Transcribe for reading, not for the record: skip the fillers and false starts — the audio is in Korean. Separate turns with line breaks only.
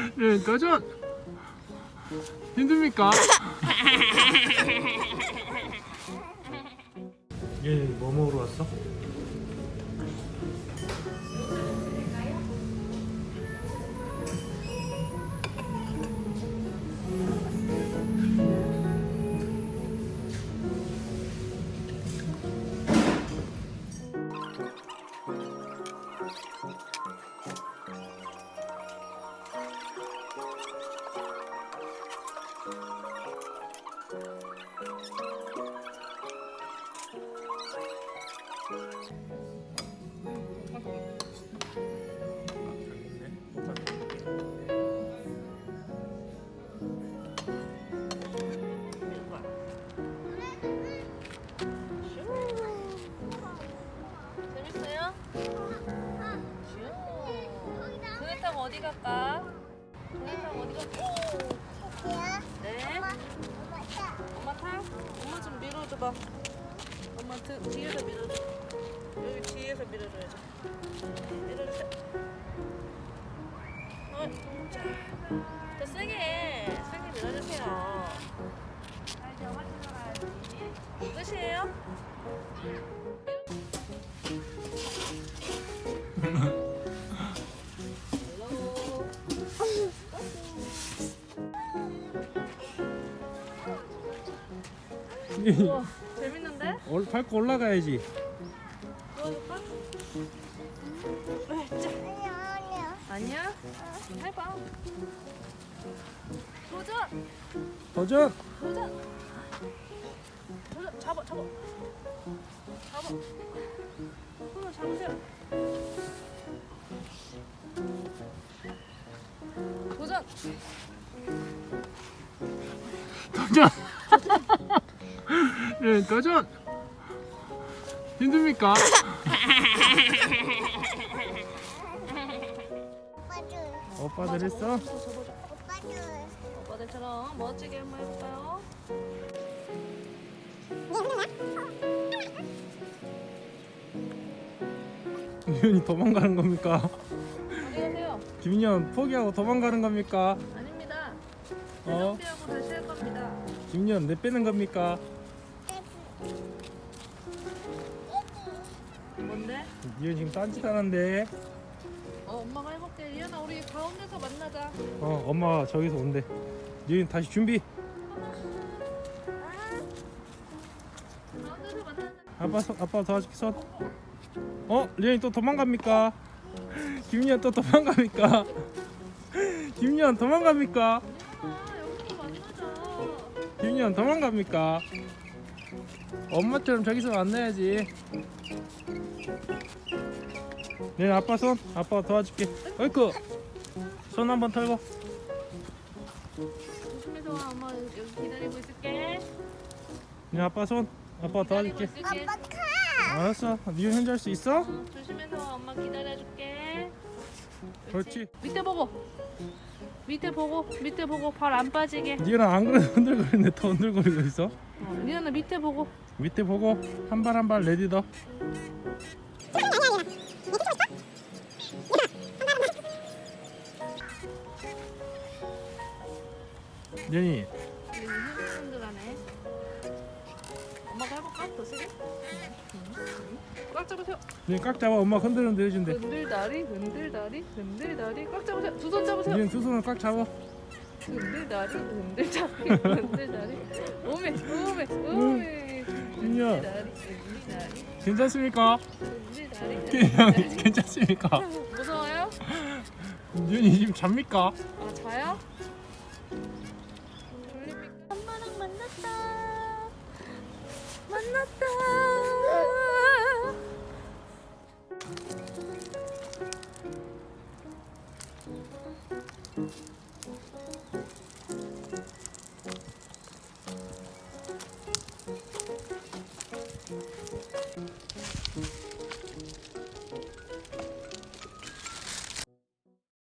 네, 도전! 힘듭니까? 얘 뭐 먹으러 왔어?
재밌어요? 그네 타고 어디 갈까? 그네 타고 어디 갈까? 네. 엄마 타? 엄마 좀 밀어줘봐. 엄마 뒤에서 밀어줘. 여기 뒤에서 밀어줘야지. 밀어주세요. 자, 더 세게 밀어주세요. 끝이에요? 우와, 재밌는데?
밟고 올라가야지.
도와줄까? 아니야? 해봐. 도전!
도전!
도전! 도전! 잡아! 손을 잡으세요. 도전!
도전! 네, 도전! 힘듭니까? 오빠들 했어?
오빠들처럼 멋지게 한번 해볼까요?
유연이 도망가는 겁니까?
어디 가세요?
김유연 포기하고 도망가는 겁니까?
아닙니다.
어?
준비하고 다시 할 겁니다.
김유연 내 빼는 겁니까?
뭔데?
유연 지금 딴짓 하는데.
엄마가 해볼게. 이현아, 우리 가운데서 만나자.
엄마 저기서 온대. 유연 다시 준비.
가운데서 만나자.
아빠 도와줄게 손. 리언이 또 도망갑니까? 김유연 또 도망갑니까? 김유연 도망갑니까?
이현아, 여기서 만나자.
김유연 도망갑니까? 엄마처럼 저기서 만나야지. 네, 아빠 손. 아빠가 도와줄게. 어이쿠. 손 한번 털고.
조심해서 와. 엄마 여기 기다리고 있을게.
네, 아빠 손. 아빠가
기다리고
도와줄게.
있을게.
알았어. 리언 혼자 할 수 있어?
조심해서 와. 엄마 기다려줄게.
그렇지.
밑에 보고. 밑에 보고 발 안 빠지게.
리언아 안 그래도 흔들거리는데 더 흔들거리고 있어.
리언아 밑에 보고.
밑에 보고 한 발 한 발 내딛어. 리언이
흔들흔들하네. 엄마가 해볼까? 더 세게? 꽉 잡으세요.
리언 꽉 잡아. 엄마 흔들흔들 해준대.
흔들다리. 꽉 잡으세요. 두 손 잡으세요.
리언 두 손을 꽉 잡아.
흔들다리. 오메.
민유야.
흔들다리.
괜찮습니까?
흔들다리.
괜찮습니까?
무서워요?
리언이 지금 잡니까?
아, 자요? 졸립니까? 엄마랑 만났다.